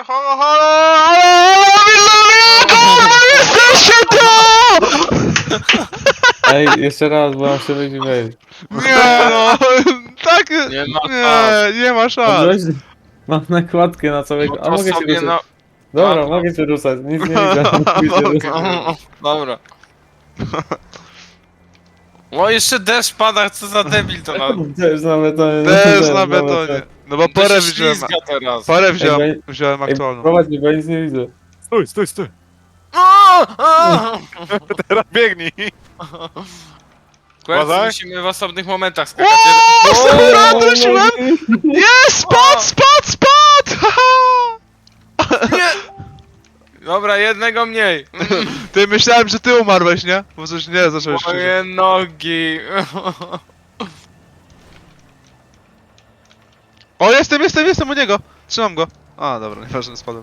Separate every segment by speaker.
Speaker 1: halo, halo, jesteście tu!
Speaker 2: Ej, jeszcze raz, bo mam się wyjść i wejść.
Speaker 1: Nie no, tak,
Speaker 3: Nie ma szans.
Speaker 1: nie ma szans.
Speaker 2: Mam nakładkę na całego...
Speaker 3: No
Speaker 2: A
Speaker 3: to
Speaker 2: mogę się
Speaker 3: sobie
Speaker 2: ruszać.
Speaker 3: na...
Speaker 2: Dobra,
Speaker 3: no.
Speaker 2: mogę się ruszać, nic nie widzę. Mógłby się ruszać.
Speaker 3: Dobra. O, jeszcze deszcz pada, co za debil to na...
Speaker 2: Też na betonie.
Speaker 1: Też na betonie. No bo
Speaker 3: To się
Speaker 1: parę wziąłem,
Speaker 3: ślizga teraz.
Speaker 1: parę
Speaker 2: Ej,
Speaker 1: wziąłem
Speaker 2: Ej,
Speaker 1: aktualną.
Speaker 2: prowadź mnie, bo ja nic nie widzę.
Speaker 4: Stój, stój, stój. Teraz biegnij.
Speaker 3: Kłębcy
Speaker 4: Uważaj.
Speaker 3: musimy w osobnych momentach skakać.
Speaker 1: Dobra, wróciłem! Jest, spadł!
Speaker 3: Nie! Dobra, jednego mniej.
Speaker 1: Ty, myślałem, że ty umarłeś, nie? Bo coś nie, zacząłeś krzyczyć.
Speaker 3: Moje nogi.
Speaker 1: O, jestem u niego! Trzymam go. A, dobra, nieważne, spadłem.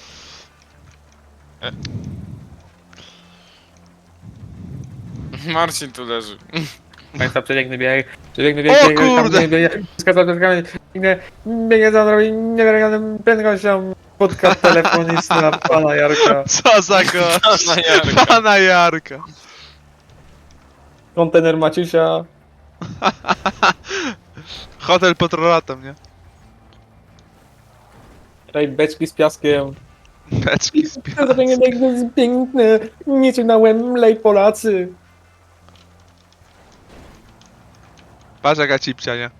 Speaker 3: Marcin tu leży.
Speaker 2: Państwa, przebiegnę bieg,
Speaker 1: O kurde!
Speaker 2: skazam przez kamień, biegnę za drogi, niewiarygodną prędkością, podcast telefoniczna pana Jarka.
Speaker 1: Co za go?
Speaker 3: Pana Jarka.
Speaker 1: Pana Jarka.
Speaker 2: Kontener Maciusia.
Speaker 1: Hotel pod roratem, nie?
Speaker 2: Tutaj beczki z piaskiem.
Speaker 1: Beczki z piwa.
Speaker 2: To jest piękne, niczym na Wembley Polacy.
Speaker 1: Patrz jaka cipcia, nie?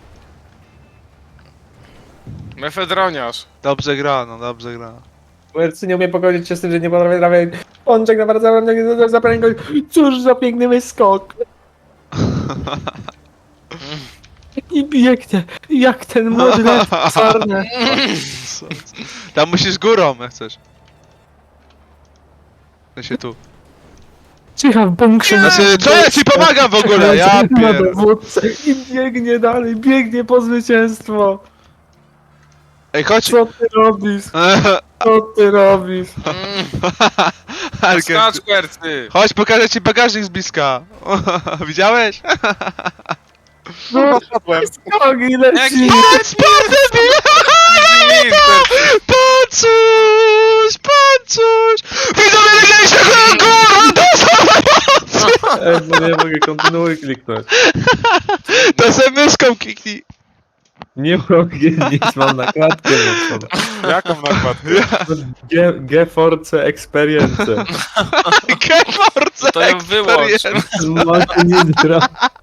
Speaker 3: Mefedroniarz.
Speaker 1: Dobrze gra, no dobrze gra.
Speaker 2: Wercy nie umie pogodzić się z tym, że nie potrafię trafiać. Pączek na bardzo za prędkość. Cóż za piękny wyskok. I biegnie, jak ten młody lew czarny.
Speaker 1: Tam musisz górą, jak chcesz. To się tu.
Speaker 2: Cicha w bunkrze.
Speaker 1: Znaczy, co ja ci pomagam w ogóle? Ja
Speaker 2: Na
Speaker 1: pier...
Speaker 2: dowódcę i biegnie dalej, biegnie po zwycięstwo.
Speaker 1: Ej, chodź!
Speaker 2: Co ty robisz? Co ty robisz?
Speaker 1: Arkę,
Speaker 3: Skacz, kwercy.
Speaker 1: chodź, pokażę ci bagażnik z bliska. Widziałeś?
Speaker 2: No,
Speaker 4: Spadłem.
Speaker 2: nogi leci.
Speaker 1: Paczuś! Widzowie, widzieliście kurwa,
Speaker 2: Ej, bo nie mogę, kontynuuj kliknąć.
Speaker 1: to se myszką kliknij.
Speaker 2: Nie mogę, nic, mam nakładkę na sobie.
Speaker 4: Jaką nakładkę?
Speaker 2: GeForce Experience.
Speaker 1: Geforce
Speaker 3: To ją wyłącz.
Speaker 1: Experience.
Speaker 2: Nitro.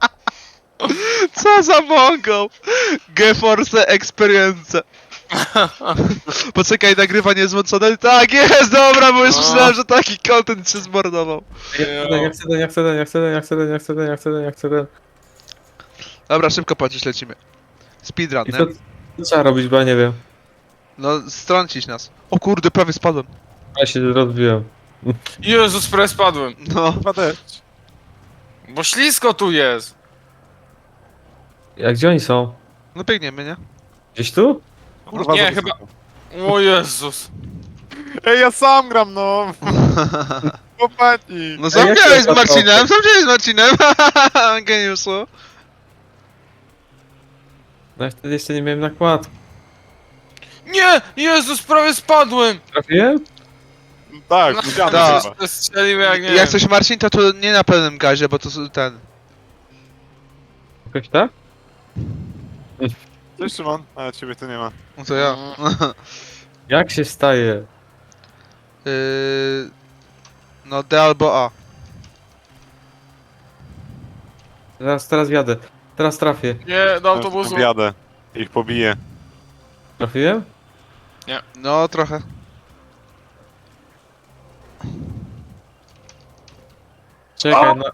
Speaker 1: Co za mongol? GeForce Experience. Poczekaj, nagrywanie złączone. Tak jest, dobra, bo już
Speaker 3: No.
Speaker 1: myślałem, że taki content się zmordował.
Speaker 2: Ja chcę ten.
Speaker 1: Dobra, szybko płacisz, lecimy. Speedrun,
Speaker 2: I
Speaker 1: nie?
Speaker 2: co trzeba robić, bo ja nie wiem.
Speaker 1: No, strącić nas. O kurde, prawie spadłem.
Speaker 2: Ja się rozbiłem.
Speaker 3: Jezus, prawie spadłem.
Speaker 1: No.
Speaker 4: Chyba deszcz.
Speaker 3: Bo ślisko tu jest.
Speaker 2: Jak gdzie oni są?
Speaker 1: No biegniemy, nie?
Speaker 2: Gdzieś tu?
Speaker 4: Kurwa,
Speaker 3: Nie,
Speaker 4: za
Speaker 3: chyba-
Speaker 4: wysoko.
Speaker 3: O Jezus.
Speaker 4: Ej, ja sam gram, no. Chłopaki.
Speaker 1: No sam
Speaker 2: jak
Speaker 1: grałeś
Speaker 2: się
Speaker 1: z Marcinem, sam grałeś z Marcinem. Geniuszu.
Speaker 2: No ja wtedy jeszcze nie miałem nakładki.
Speaker 3: Nie! Jezus, prawie spadłem.
Speaker 2: Trafiłem?
Speaker 4: Tak, widziałem
Speaker 1: tak.
Speaker 4: chyba.
Speaker 3: To strzelił jak nie
Speaker 1: Jak
Speaker 3: wiem.
Speaker 1: coś Marcin, to nie na pełnym gazie, bo to ten...
Speaker 2: Jakoś tak?
Speaker 4: Cześć, Szymon. A, ciebie tu nie ma.
Speaker 1: No to ja.
Speaker 2: Jak się staje?
Speaker 1: No D albo A.
Speaker 2: Teraz wjadę. Teraz trafię.
Speaker 3: Nie, do autobusu.
Speaker 4: Objadę. Ich pobiję.
Speaker 2: Trafiłem?
Speaker 1: No trochę.
Speaker 2: Czekaj, no.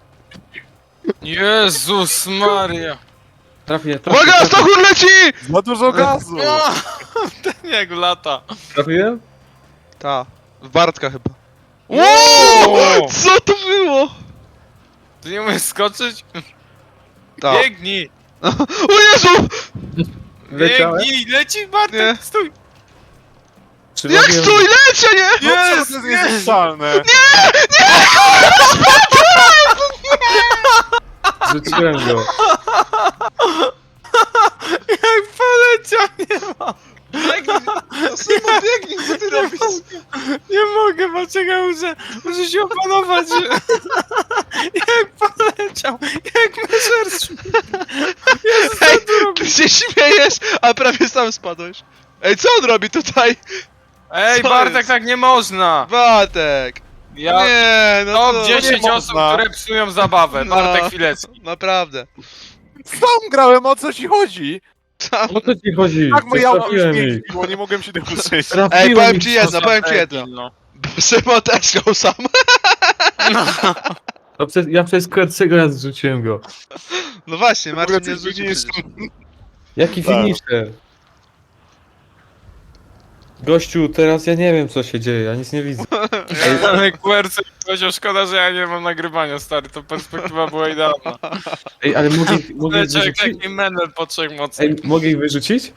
Speaker 3: Jezus Maria.
Speaker 2: Trafię.
Speaker 1: Uwaga, Stochur leci!
Speaker 4: Za dużo gazu!
Speaker 3: Ten jak lata.
Speaker 2: Trafiłem?
Speaker 1: Ta. W Bartka chyba.
Speaker 3: Wow!
Speaker 1: Co to było?
Speaker 3: Ty nie umiesz skoczyć?
Speaker 1: Ta.
Speaker 3: Biegnij!
Speaker 1: O Jezu!
Speaker 2: Leciałem?
Speaker 3: Biegnij! Leci Bartek,
Speaker 1: Nie.
Speaker 3: stój!
Speaker 1: Jak stój, lecę, nie?
Speaker 3: Jest!
Speaker 4: To jest niezniszczalne!
Speaker 2: Rzuciłem go.
Speaker 3: Jak poleciał, nie ma!
Speaker 1: Biegnij! No Szymon, biegnij, co ty robisz?
Speaker 3: Nie mogę, poczekaj, muszę się opanować. Jak poleciał, jak meżer. Jezus, co
Speaker 1: Ej,
Speaker 3: tu robi?
Speaker 1: ty się śmiejesz, a prawie sam spadłeś. Ej, co on robi tutaj?
Speaker 3: Ej,
Speaker 1: Co
Speaker 3: Bartek,
Speaker 1: jest?
Speaker 3: tak nie można.
Speaker 1: Batek!
Speaker 3: Ja...
Speaker 1: Nie, no
Speaker 3: Top
Speaker 1: to...
Speaker 3: 10
Speaker 4: nie
Speaker 3: osób,
Speaker 4: można.
Speaker 3: które psują zabawę.
Speaker 1: No.
Speaker 3: Bartek Chwilewski.
Speaker 1: Naprawdę.
Speaker 4: Sam grałem, o co ci chodzi?
Speaker 1: Sam...
Speaker 2: O co ci chodzi?
Speaker 4: Tak moje auto już
Speaker 2: Trafiłem
Speaker 4: mnie
Speaker 2: ich.
Speaker 4: zbiło, nie mogłem się tego przejść.
Speaker 1: Ej,
Speaker 2: Trafiłem
Speaker 1: powiem
Speaker 2: ich.
Speaker 1: ci jedno, powiem ci
Speaker 3: Debil,
Speaker 1: jedno.
Speaker 3: no.
Speaker 1: Szymon też go sam.
Speaker 2: No, ja przez Kwercego raz zrzuciłem go.
Speaker 1: No właśnie,
Speaker 4: W ogóle
Speaker 1: Marcin nie
Speaker 4: coś
Speaker 1: zrzucił
Speaker 4: widzisz?
Speaker 1: przecież.
Speaker 2: Jaki
Speaker 4: Tak.
Speaker 2: finisher? Gościu, teraz ja nie wiem co się dzieje, ja nic nie widzę.
Speaker 3: Ale QRC powiedział, szkoda, że ja nie mam nagrywania, stary, to perspektywa była idealna.
Speaker 2: Ej, ale mogę ich
Speaker 3: Leciał jak
Speaker 2: wyrzucić?
Speaker 3: taki menel po 3 mocach.
Speaker 2: Ej, mogę ich wyrzucić?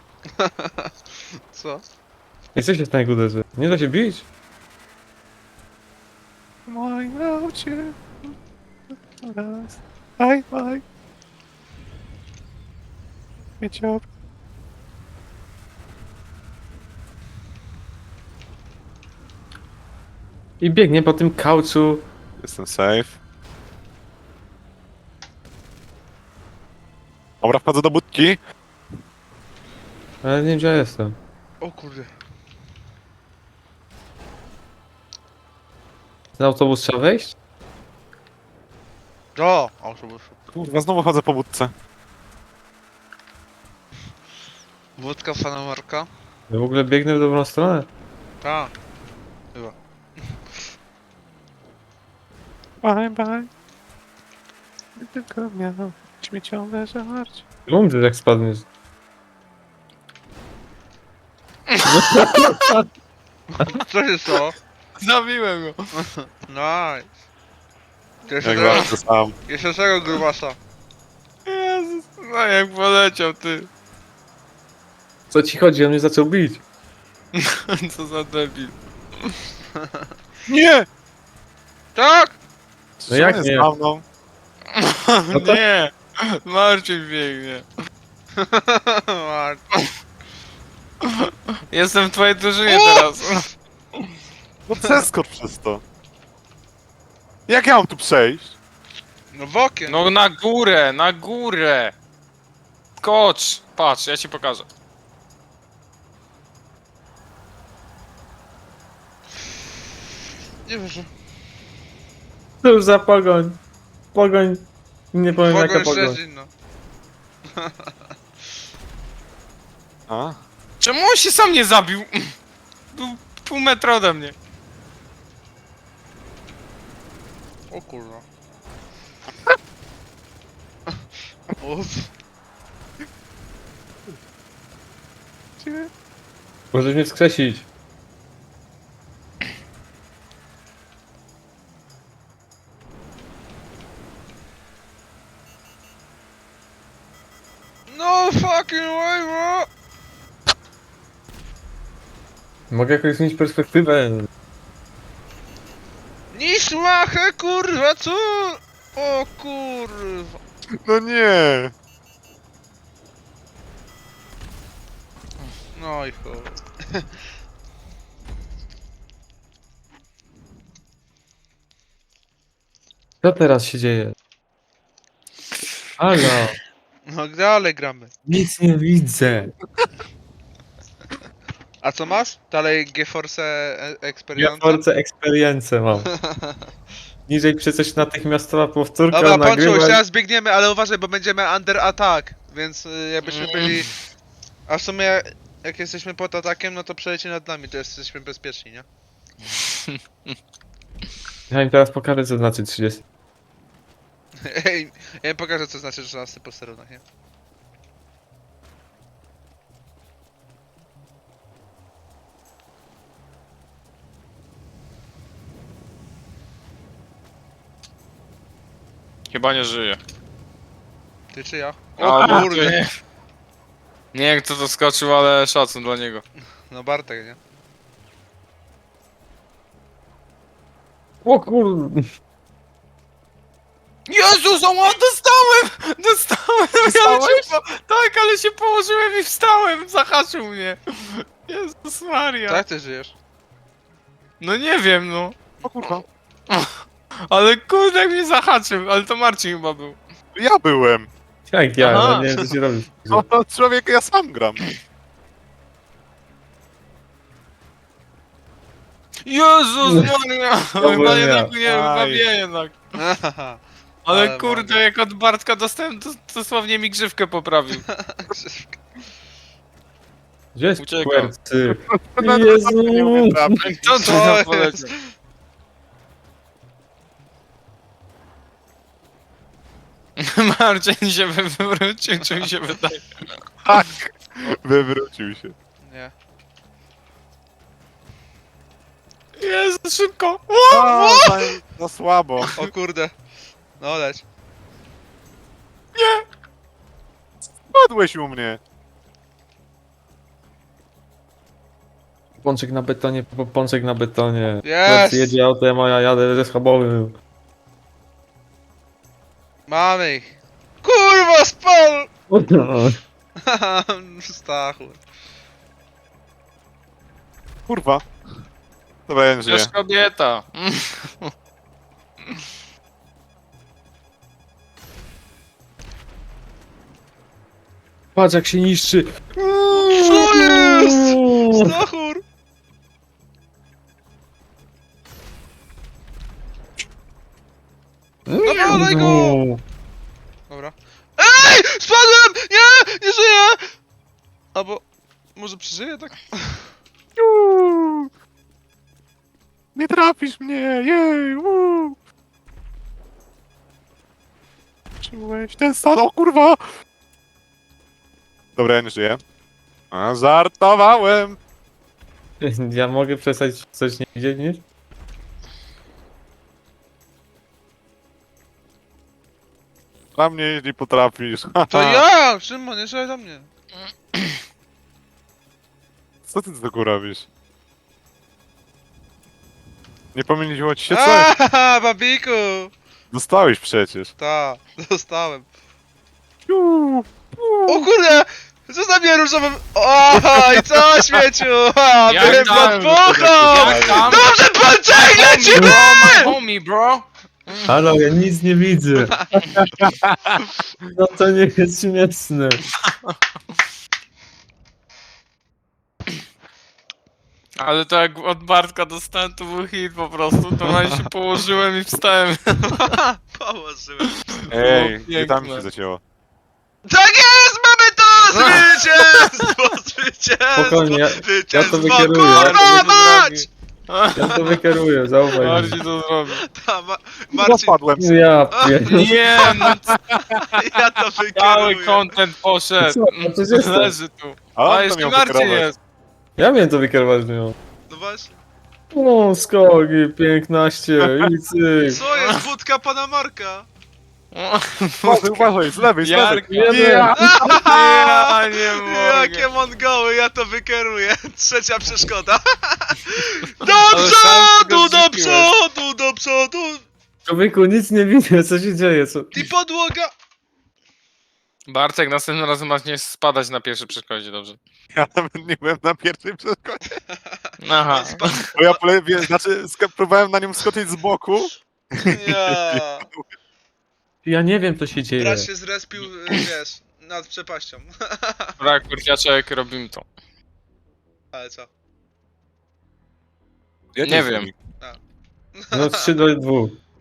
Speaker 1: Co?
Speaker 2: Ej, co się z niego uderzy? Nie da się bić?
Speaker 4: Moim aucie. Raz. Aj, aj. Wiecie,
Speaker 2: I biegnie po tym kauczu.
Speaker 4: Jestem safe. Dobra, wchodzę do budki.
Speaker 2: Ale nie wiem gdzie ja jestem.
Speaker 1: O kurde.
Speaker 2: Ten autobus trzeba wejść?
Speaker 1: O, autobus.
Speaker 4: Kurwa, znowu chodzę po budce.
Speaker 1: Wódka pana Marka?
Speaker 2: Ja w ogóle biegnę w dobrą stronę.
Speaker 1: Tak. Chyba.
Speaker 4: Bye, bye. Tylko miał śmieciowe żarcie.
Speaker 2: Umrzysz jak spadniesz.
Speaker 1: Co się stało?
Speaker 3: Zabiłem go.
Speaker 1: Nice. Jeszcze
Speaker 4: Jak
Speaker 1: tego,
Speaker 4: bardzo sam.
Speaker 1: jeszcze tego grubasa.
Speaker 3: Jezus, no jak poleciał, ty.
Speaker 2: Co ci chodzi? On mnie zaczął bić.
Speaker 3: Co za debil.
Speaker 4: Nie!
Speaker 1: Tak!
Speaker 2: No jak
Speaker 4: Co jest
Speaker 2: nie?
Speaker 4: za mną?
Speaker 2: No to-
Speaker 3: Nie, Marcin biegnie.
Speaker 1: Marcin.
Speaker 3: Jestem w twojej drużynie teraz.
Speaker 4: No przeskocz przez to. Jak ja mam tu przejść?
Speaker 1: No w okien.
Speaker 3: No na górę, na górę. Skocz. Patrz, ja ci pokażę.
Speaker 1: Nie wierzę.
Speaker 2: To już za pogoń. Pogoń. Nie powiem jaka
Speaker 1: Pogoń
Speaker 2: pogoń.
Speaker 1: Szczecin, no.
Speaker 4: A?
Speaker 3: Czemu on się sam nie zabił? Był pół metra ode mnie.
Speaker 1: O kurwa. Uff.
Speaker 2: Możesz mnie wskrzesić.
Speaker 1: No fucking way, bro!
Speaker 2: Mogę jakoś zmienić perspektywę.
Speaker 1: Nisłachę, kurwa, co? O kurwa.
Speaker 4: No nie!
Speaker 1: No i chuj.
Speaker 2: Co teraz się dzieje? Halo.
Speaker 1: No dalej gramy.
Speaker 2: Nic nie widzę.
Speaker 1: A co masz? Dalej GeForce
Speaker 2: Ja
Speaker 1: Experience?
Speaker 2: Force Experience mam. Niżej przecież natychmiastowa powtórka
Speaker 1: Dobra, Panczu,
Speaker 2: nagrywa.
Speaker 1: jeszcze raz biegniemy, ale uważaj, bo będziemy under attack, więc jakbyśmy byli... A w sumie, jak jesteśmy pod atakiem, no to przeleci nad nami, to jesteśmy bezpieczni, nie?
Speaker 2: Ja im teraz pokażę co znaczy 30.
Speaker 1: Ej, ja im pokażę, co znaczy 13 posterunek, nie?
Speaker 3: Chyba nie żyje.
Speaker 1: Ty czy ja?
Speaker 3: O
Speaker 1: O
Speaker 3: kurde.
Speaker 1: kurde!
Speaker 3: Nie wiem kto to skoczył, ale szacun dla niego.
Speaker 1: No Bartek, nie?
Speaker 2: O kurde.
Speaker 3: Jezus, o, dostałem! Dostałem! Ale się tak, ale się położyłem i wstałem, zahaczył mnie. Jezus Maria.
Speaker 1: Tak ty żyjesz.
Speaker 3: No nie wiem, no.
Speaker 4: O kurwa.
Speaker 3: Ale kurde jak mnie zahaczył, ale to Marcin chyba był.
Speaker 4: Ja byłem.
Speaker 2: Jak ja,
Speaker 3: Aha.
Speaker 2: no nie wiem co ci robisz.
Speaker 4: No to człowiek, ja sam gram.
Speaker 3: Jezus Maria!
Speaker 2: byłem
Speaker 3: Chyba
Speaker 2: ja.
Speaker 3: jednak nie, chyba
Speaker 4: Aj.
Speaker 3: nie jednak. Ale
Speaker 1: Ale
Speaker 3: kurde,
Speaker 1: mogę.
Speaker 3: jak od Bartka dostałem, to dosłownie mi grzywkę poprawił.
Speaker 2: Gdzie jest
Speaker 3: Uciekam.
Speaker 2: Quercy?
Speaker 4: No,
Speaker 2: Jezu!
Speaker 4: nie umiem trafić.
Speaker 3: Co
Speaker 1: Co
Speaker 3: to
Speaker 1: jest?
Speaker 3: poleciał? Marcin się wywrócił, czy mi się wydaje?
Speaker 4: Tak. Wywrócił się.
Speaker 1: Nie.
Speaker 3: Jezu, szybko!
Speaker 4: A, za słabo.
Speaker 1: O kurde. No leć.
Speaker 4: Padłeś u mnie.
Speaker 2: Pączek na betonie, pączek na betonie.
Speaker 1: Jest!
Speaker 2: Quercy jedzie autem, a ja jadę ze schabowym.
Speaker 1: Mamy ich. Kurwa, spal! Stachu.
Speaker 4: Kurwa. To będzie.
Speaker 3: Przecież kobieta.
Speaker 2: Patrz jak się niszczy.
Speaker 1: Co jest? Stachur! Dawaj go! Dobra. EJ! Spadłem! Nie! Nie żyję! Albo... Może przeżyję tak?
Speaker 4: Nie trafisz mnie, jej, Czułeś ten stan, o kurwa! Dobra, ja nie żyję. A, żartowałem!
Speaker 2: Ja mogę przestać coś nie widzieć niż?
Speaker 4: Na mnie jeśli potrafisz.
Speaker 1: To ja! Szymon, nie szalej do mnie.
Speaker 4: Co ty tylko robisz? Nie pomyliło ci się co?
Speaker 1: Aaa, babiku!
Speaker 4: Dostałeś przecież.
Speaker 1: Ta, dostałem.
Speaker 4: Piu,
Speaker 1: O kurde! Zostaw mnie różowym... Oj, co śmieciu! A,
Speaker 3: Jak
Speaker 1: bym
Speaker 3: tam?
Speaker 1: podpuchał!
Speaker 3: Jak tam?
Speaker 1: Dobrze, Pączek, lecimy!
Speaker 3: My homie, bro!
Speaker 2: Halo, ja nic nie widzę. No to nie jest śmieszne.
Speaker 3: Ale to jak od Bartka dostałem, to był hit po prostu. To na się położyłem i wstałem.
Speaker 1: Położyłem.
Speaker 4: Ej,
Speaker 3: Było
Speaker 4: gdzie tam
Speaker 3: piękne.
Speaker 4: się zacięło?
Speaker 1: Tak jest! Mamy to! Zwycięstwo! Zwycięstwo!
Speaker 2: Spokojnie, ja to
Speaker 1: Zwycięstwo!
Speaker 2: wykieruję.
Speaker 1: Kurwa mać!
Speaker 2: Ja to wykieruję, zaufaj mi.
Speaker 3: Marcin to zrobił.
Speaker 1: Ta, Marcin,
Speaker 4: Zapadłem.
Speaker 2: Ja pierdolę.
Speaker 3: Nie, no
Speaker 1: ja to
Speaker 3: cały
Speaker 1: wykieruję.
Speaker 3: content poszedł.
Speaker 2: Co? No przecież to-
Speaker 3: Leży tu.
Speaker 4: A on
Speaker 3: A
Speaker 4: to
Speaker 3: jeszcze
Speaker 4: miał
Speaker 3: Marcin
Speaker 4: wykierować.
Speaker 3: jest.
Speaker 2: Ja miałem to wykierować nią.
Speaker 1: No właśnie.
Speaker 2: O, skoki, 15 i cyk.
Speaker 1: Co jest wódka pana Marka?
Speaker 4: Uważaj, uważaj, z lewej, z lewej.
Speaker 3: Jarek,
Speaker 2: Ja
Speaker 3: ja nie mogę.
Speaker 1: Jakie mongoły, ja to wykieruję. Trzecia przeszkoda. Do
Speaker 3: Ale sam
Speaker 1: przodu,
Speaker 3: tego
Speaker 1: do
Speaker 3: zrzuciłeś.
Speaker 1: przodu, do przodu.
Speaker 2: Człowieku, nic nie widzę, co się dzieje, co?
Speaker 1: I podłoga.
Speaker 3: Bartek, następnym razem masz nie spadać na pierwszej przeszkodzie, dobrze?
Speaker 4: Ja nawet nie byłem na pierwszej przeszkodzie.
Speaker 3: Aha.
Speaker 4: Bo ja znaczy próbowałem na nią skoczyć z boku.
Speaker 1: Ja.
Speaker 2: Ja nie wiem, co się dzieje.
Speaker 1: Brat się zrespił, wiesz, nad przepaścią.
Speaker 3: Brak kurciaczek, robimy to.
Speaker 1: Ale co?
Speaker 4: Ja
Speaker 3: Nie wiem.
Speaker 2: No 3 do 2.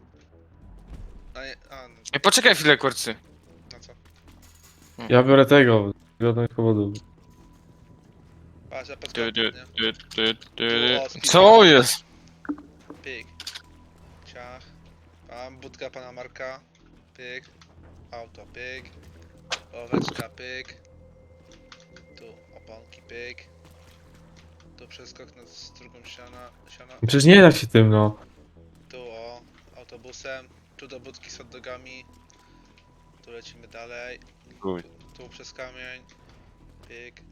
Speaker 1: No,
Speaker 3: Ej, poczekaj chwilę, kurcy.
Speaker 1: no co?
Speaker 2: Ja biorę tego, z żadnych powodów.
Speaker 1: Patrz, ja
Speaker 3: Du,
Speaker 1: podkładam,
Speaker 3: du,
Speaker 1: nie?
Speaker 3: du, du, du,
Speaker 1: O,
Speaker 3: du. Co jest?
Speaker 1: Pyk. Ciach. Mam budka pana Marka. Pyk. Auto, pyk. Oweczka, pyk. Tu oponki, pyk. Tu przeskok na drugą siana.
Speaker 2: Przecież nie da się tym, no.
Speaker 1: Tu o, autobusem. Tu do budki z hot dogami. Tu lecimy dalej.
Speaker 4: Chuj.
Speaker 1: Tu przez kamień. Pyk.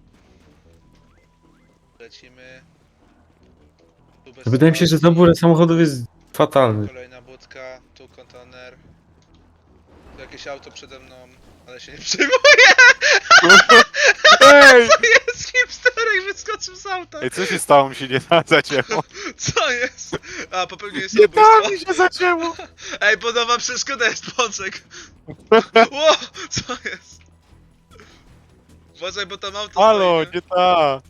Speaker 1: Lecimy. Tu bez
Speaker 2: Wydaje mi się, że
Speaker 1: spacji.
Speaker 2: dobór samochodów jest fatalny.
Speaker 1: Kolejna budka, tu kontener. Jakieś auto przede mną, ale się nie przejmuję.
Speaker 4: Ej!
Speaker 1: Jest hipsterek, wyskoczył z auta.
Speaker 4: Ej, co się stało? Mi się nie zacięło.
Speaker 1: Co jest? A, popełniłem
Speaker 4: Nie da
Speaker 1: samobójstwo.
Speaker 4: mi się zacięło.
Speaker 1: Ej, podoba przeszkoda jest pączek. Ło, co jest? Uważaj, bo tam auto
Speaker 4: Halo,
Speaker 1: stoi,
Speaker 4: nie ta.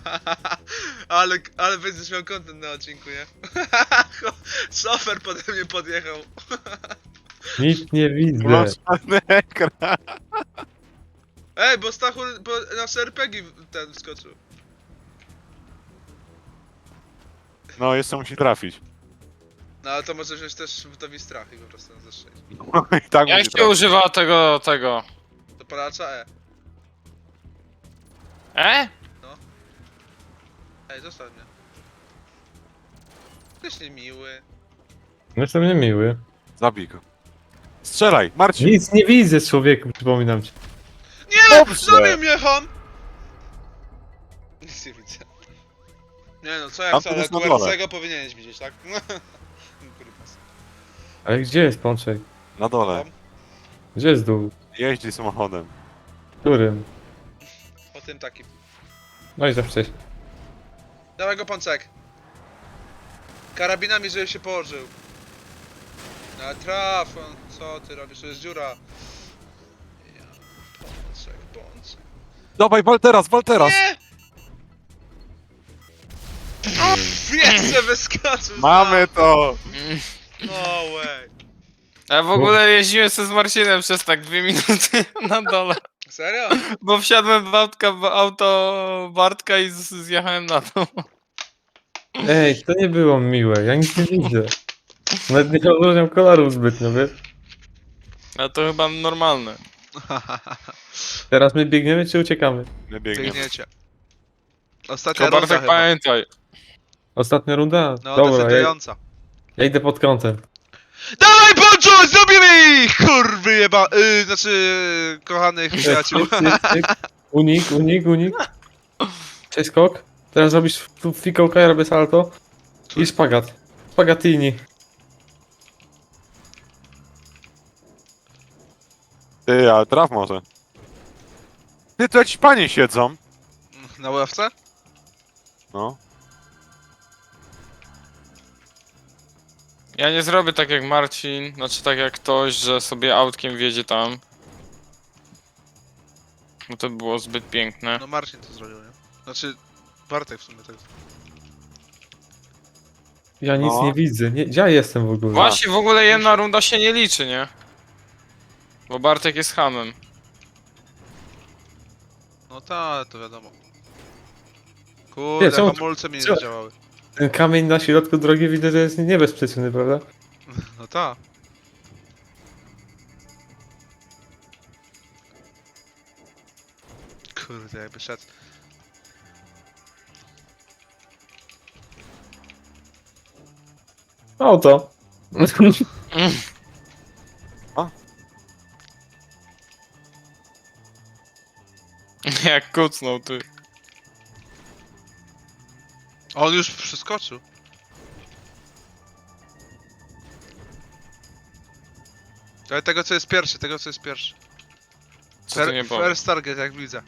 Speaker 1: ale będziesz miał content na odcinku, nie? Szofer pode mnie podjechał.
Speaker 2: Nic nie widzę.
Speaker 4: Masz czarny ekran.
Speaker 1: Ej, bo Stachu nasz RPG ten wskoczył.
Speaker 4: No, jeszcze musi trafić.
Speaker 1: No ale to może wziąć też w strach i po prostu nas zestrzelić.
Speaker 4: I tak
Speaker 3: Jak
Speaker 4: musi
Speaker 3: się
Speaker 4: trafić.
Speaker 3: używa tego?
Speaker 1: To palacza E. Ej, zostaw mnie. Jesteś niemiły.
Speaker 2: Jestem niemiły.
Speaker 4: Zabij go. Strzelaj, Marcin.
Speaker 2: Nic nie widzę, człowieku, przypominam ci.
Speaker 1: Nie!
Speaker 4: Dobrze.
Speaker 1: Zabił mnie ham! Nic nie widzę. Nie no, co jak
Speaker 4: Tam
Speaker 1: co,
Speaker 4: to
Speaker 1: ale
Speaker 4: jest na dole.
Speaker 1: QRC-go powinieneś widzieć, tak? Kurwa.
Speaker 2: Ale gdzie jest Pączek?
Speaker 4: Na dole.
Speaker 2: Gdzie jest dół?
Speaker 4: Jeździ samochodem.
Speaker 2: Którym?
Speaker 1: Po tym takim.
Speaker 2: No i za wcześnie.
Speaker 1: Dawaj go pączek. Karabinami, żeby się położył. No traf, on, co ty robisz? To jest dziura. Ja, pączek.
Speaker 4: Dawaj, wal teraz, wal teraz.
Speaker 1: Nie! Jeszcze wyskoczył!
Speaker 4: Mamy to.
Speaker 1: No way.
Speaker 3: Ja w ogóle jeździłem sobie z Marcinem przez tak 2 minuty na dole.
Speaker 1: Serio?
Speaker 3: Bo wsiadłem w auto Bartka i zjechałem na dół.
Speaker 2: Ej, to nie było miłe, ja nic nie widzę. Nawet nie odróżniam kolorów zbytnio, wiesz?
Speaker 3: A to chyba normalne.
Speaker 2: Teraz my biegniemy czy uciekamy?
Speaker 4: My biegniemy.
Speaker 1: Biegniecie. Ostatnia
Speaker 3: Tylko
Speaker 1: runda
Speaker 3: Bartek
Speaker 1: chyba.
Speaker 3: pamiętaj.
Speaker 2: Ostatnia runda?
Speaker 1: No,
Speaker 2: Dobra,
Speaker 1: decydująca.
Speaker 2: ja idę pod kątem.
Speaker 1: Dawaj, Poncho! Zrobimy ich! Kurwy jeba... kochanych przyjaciół.
Speaker 2: Cyk. Unik. Cześć skok. Teraz robisz tu fikołka, ja robię salto. I szpagat. Spagatini.
Speaker 4: Ty, ale traf może. Ty, tu jakiś panie siedzą.
Speaker 1: Na ławce?
Speaker 4: No.
Speaker 3: Ja nie zrobię tak jak Marcin, znaczy tak jak ktoś, że sobie autkiem wjedzie tam. Bo to by było zbyt piękne.
Speaker 1: No Marcin to zrobił, nie? Znaczy... Bartek w sumie tak.
Speaker 2: Ja nic
Speaker 4: No.
Speaker 2: nie widzę. Nie, gdzie ja jestem w ogóle?
Speaker 3: Właśnie w ogóle jedna runda się nie liczy, nie? Bo Bartek jest hamem.
Speaker 1: No tak, to wiadomo.
Speaker 2: Nie,
Speaker 1: Kurde,
Speaker 2: czemu-
Speaker 1: hamulce mi nie
Speaker 2: czemu-
Speaker 1: zadziałały.
Speaker 2: Ten kamień na środku drogi widzę, że jest niebezpieczny, prawda?
Speaker 1: No tak. Kurde, jakby szedł.
Speaker 2: Auto.
Speaker 3: Jak kucnął ty.
Speaker 1: On już przeskoczył. Ale tego co jest pierwszy,
Speaker 3: Co ty nie powiesz?
Speaker 1: First target, jak widzę.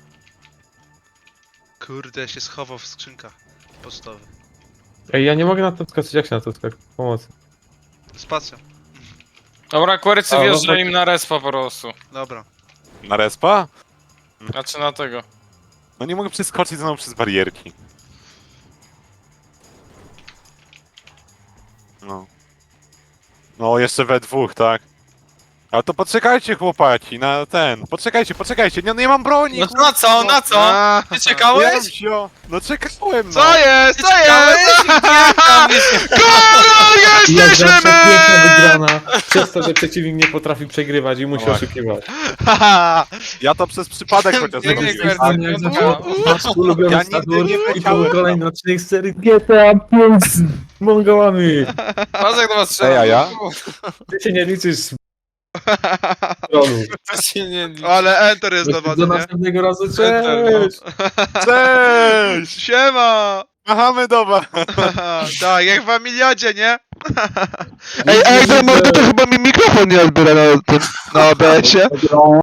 Speaker 1: Kurde, się schował w skrzynkach pocztowych.
Speaker 2: Ej, ja nie mogę na to skoczyć, jak się na to skoczyć? Pomocy.
Speaker 1: Spacją.
Speaker 3: Dobra, kwerycy
Speaker 2: A, no
Speaker 3: wjeżdża
Speaker 2: tak.
Speaker 3: im na respa po prostu.
Speaker 1: Dobra.
Speaker 4: Na respa?
Speaker 3: Znaczy na tego.
Speaker 4: No nie mogę przeskoczyć znowu przez barierki. No. No, jeszcze we dwóch, tak? Ale to poczekajcie, chłopaki, na ten. Poczekajcie. Nie mam broni!
Speaker 3: No na co, na co?
Speaker 1: A,
Speaker 3: Ty czekałeś?
Speaker 4: Jamsio! No czekałem, no!
Speaker 1: Co jest? Co jest?
Speaker 2: I jak
Speaker 1: Jesteśmy
Speaker 2: zawsze piękna
Speaker 1: my!
Speaker 2: wygrana, przez to, że przeciwnik nie potrafi przegrywać i musi
Speaker 4: No
Speaker 2: oszukiwać.
Speaker 1: Haha.
Speaker 4: Ja to przez przypadek chociaż
Speaker 3: Pięknie,
Speaker 4: zrobiłem.
Speaker 3: Kwercy.
Speaker 2: Jak zawsze nasz ulubiony
Speaker 4: Ja nigdy
Speaker 2: statur
Speaker 4: nie
Speaker 2: i
Speaker 4: wiedziałem.
Speaker 2: był kolejny odcinek z serii GTA 5 z Mongołami.
Speaker 3: Pazek do was strzela.
Speaker 4: Ej, a ja?
Speaker 2: Ty się nie liczysz z trolu.
Speaker 3: To się nie liczy.
Speaker 1: Ale enter jest do
Speaker 2: Do
Speaker 1: wody, nie?
Speaker 2: następnego razu,
Speaker 3: Enter, no.
Speaker 2: cześć!
Speaker 4: Cześć!
Speaker 1: Siema!
Speaker 4: Machamy do was.
Speaker 1: Tak, jak w Amiliadzie, nie?
Speaker 2: Ej,
Speaker 1: to chyba mi mikrofon nie odbiera na OBS-ie.